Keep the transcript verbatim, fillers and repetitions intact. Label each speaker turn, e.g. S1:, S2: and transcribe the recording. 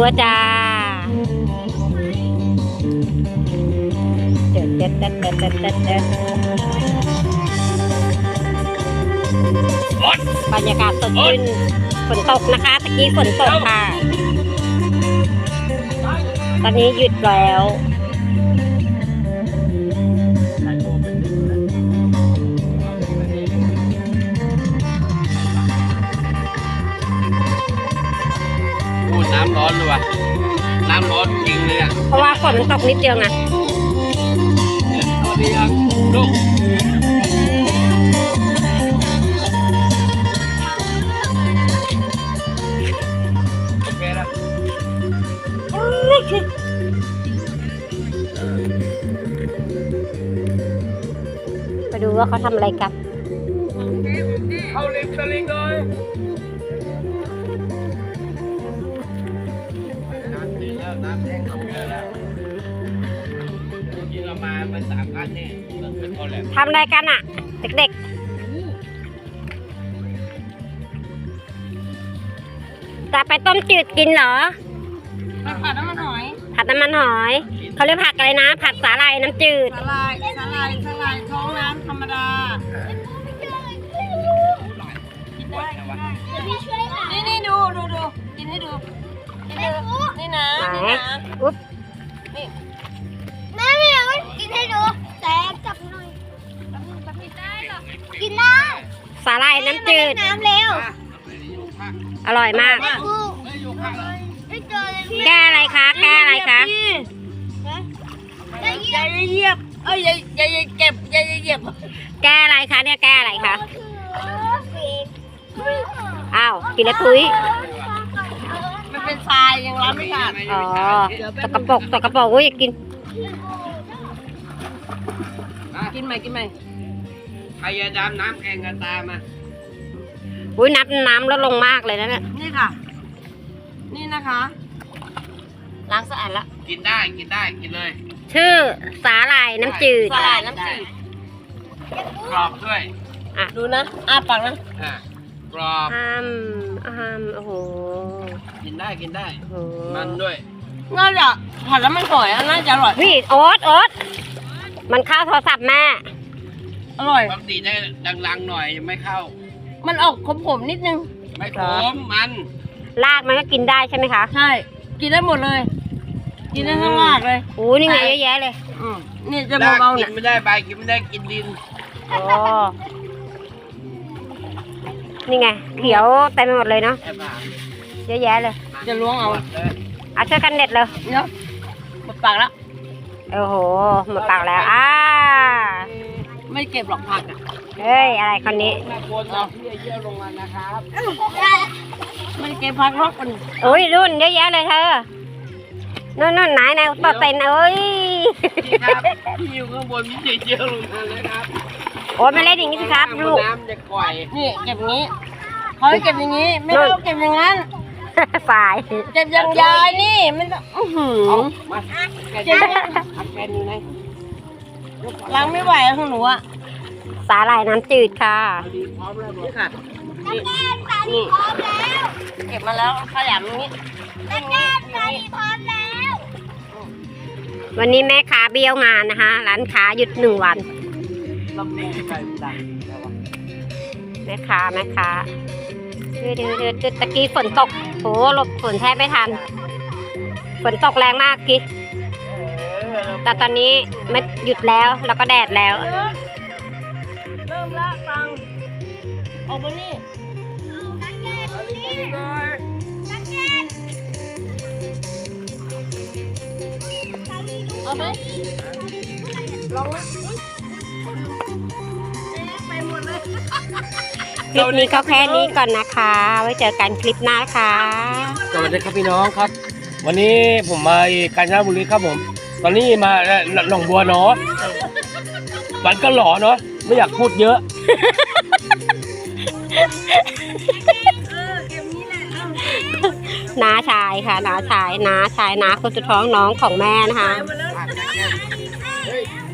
S1: ตัวจ้าเด็ดเด็ดเด็ดเด็ดเด็ดเด็ดเด็ดบรรยากาศสดชื่นฝนตกนะคะตะกี้ฝนตกค่ะตอนนี้หยุดแล้ว
S2: น้ำร้อนเลยว่ะน้ำร้อนจริงเลยอ่ะ
S1: เพราะว่าฝนมันตกนิดเดียวไง
S2: สวัสดีครับลูกโอเคแล้ว
S1: ไปดูว่าเขาทำอะไรกัน
S2: เข้าริมตลิ่งเลยน้ำแห้งเขาเยอะแล้วที่เรามาเป็นสามคันเนี่ยเป็นคนแหละ
S1: ทำอะไรกันอ่ะเด็กๆจะไปต้มจืดกินเหรอ
S3: ผัดน้ำมันหอย
S1: ผัดน้ำมันหอยเขาเรียกผักอะไรนะผัดสาหร่ายน้ำจืด
S3: สาหร่ายสาหร่ายสาหร่ายท้องน้ำธรรมดานี่นี่ดูดูดูกินให้ดูนี่นะนี่นะ
S1: อุ๊บ
S3: นี่
S4: แม่ไม่เอากินให้ดูแต่จับหน่อยกินได้หรอกินได้
S1: สาหร่ายน้ำจืด
S4: น้ำเร็ว
S1: อร่อยมากแก้อะไรคะแก้อะไรคะ
S3: ยายเหยียบเอ้ยยายยายเก็บยายเหยียบ
S1: แก้อะไรคะเนี่ยแก้อะไรคะอ้าวกินแล้วทุย
S3: มันเป็นทรายยังล้างไม่ขาด
S1: อ๋อตกกระปกตกกระปกอุ้ยอยากกิน
S3: กินไหมกินไหม
S2: ใครจะดำน้ำแข่งกันตามมา
S1: อุ้ยน้ำน้ำลดลงมากเลยนะเนี่ย
S3: นี่ค่ะนี่นะคะล้างสะอาดละ
S2: กินได้กินได้กินเลย
S1: ชื่อสาหร่ายน้ำจืด
S3: สาหร่ายน้ำจืด
S2: กรอบด้วย
S3: อ่ะดูนะอ้าปากนะ
S2: อ่ะกรอบ
S1: อ้ามอ้ามโอ้โห
S2: กินได้กินได้มันด้วย
S3: น่าจะผัดแล้วมันหอยน่าจะอร่อย
S1: พี่โอ๊ตโอ๊ตมันเข้าโทรศัพท์แม่
S3: อร่อย
S2: ปกติได้ดังๆหน่อยไม่เข้า
S3: มันออกขมๆนิดนึง
S2: ไม่ขมมัน
S1: รากมันก็กินได้ใช่ไหมคะ
S3: ใช่กินได้หมดเลยกินได้ทั้งรากเลย
S1: โอ้นี่ไงเยอะแยะเลย
S3: นี่จะเบาๆเนี่ย
S2: กินไม่ได้ใบกินไม่ได้กินดิน
S1: โอ้นี่ไงเขียวเต็มไปหมดเลยเนาะเยอะแยะเลย
S3: จะล้วงเอา
S1: อ่ะช่วยกันเด็ดเลย
S3: เนาะหมดปากแล้ว
S1: โอ้โหหมดปากแล้วอ่า
S3: ไม่เก็บหรอกผักอ่ะ
S1: เฮ้ยอะไรคนนี้
S2: เอาเยอะลงมานะครับ
S3: ไม่เก็บผักหรอกคน
S1: โอ้ยรุ่นเยอะแยะเลยเธอนู่นนู่นไหนไหนต่อเต็นเอ้ย
S2: พี่อยู่ข้างบนพี่เยอะลงมาเลยครับ
S1: โอ้ยไม่เล่นอย่างนี้สิครับลูก
S2: น้ำจะก่อย
S3: นี่เก็บอย่างนี้เขาให้เก็บอย่างนี้ไม่ต้องเก็บอย่างนั้น
S1: ฝ่าย
S3: เก็บอย่างยายนี่มันอื้อหือ
S2: มา
S3: เก็บ
S2: แกนอยู่ไหน
S3: ล้างไม่ไหวของหนูอ่ะ
S1: สาหร่ายน้ำจืดค่ะ
S2: พร้อมแล้ว
S3: นี่ค่ะ
S4: นี่นี่พร้อมแล้ว
S3: เก็บมาแล้วขยำอย่างนี้
S4: ตะแกรงใส่พร้อมแล้ว
S1: วันนี้แม่ค้าเบี้ยวงานนะคะร้านค้าหยุดหนึ่งวัน
S2: ลำแรงใจดัง
S1: แม่ค้าแม่ค้าดืดดืดตะกี้ฝนตกโหหลบฝนแทบไม่ทันฝนตกแรงมากกี้แต่ตอนนี้ไม่หยุดแล้วแล้วก็แดดแล้ว
S3: เริ่มละฟังออกมานี่เอาไหมลองไหมไปหมดเลย
S1: คลิปนี้ก็แค่นี้ก่อนนะคะไว้เจอกันคลิปหน้าค่ะ
S2: สวัสดีครับพี่น้องครับวันนี้ผมมากาญจนบุรีครับผมตอนนี้มาหนองบัวเนาะวันก็หล่อเนาะไม่อยากพูดเยอะ
S1: น้าชายค่ะน้าชายน้าชายน้าคนสุดท้องน้องของแม่นะคะ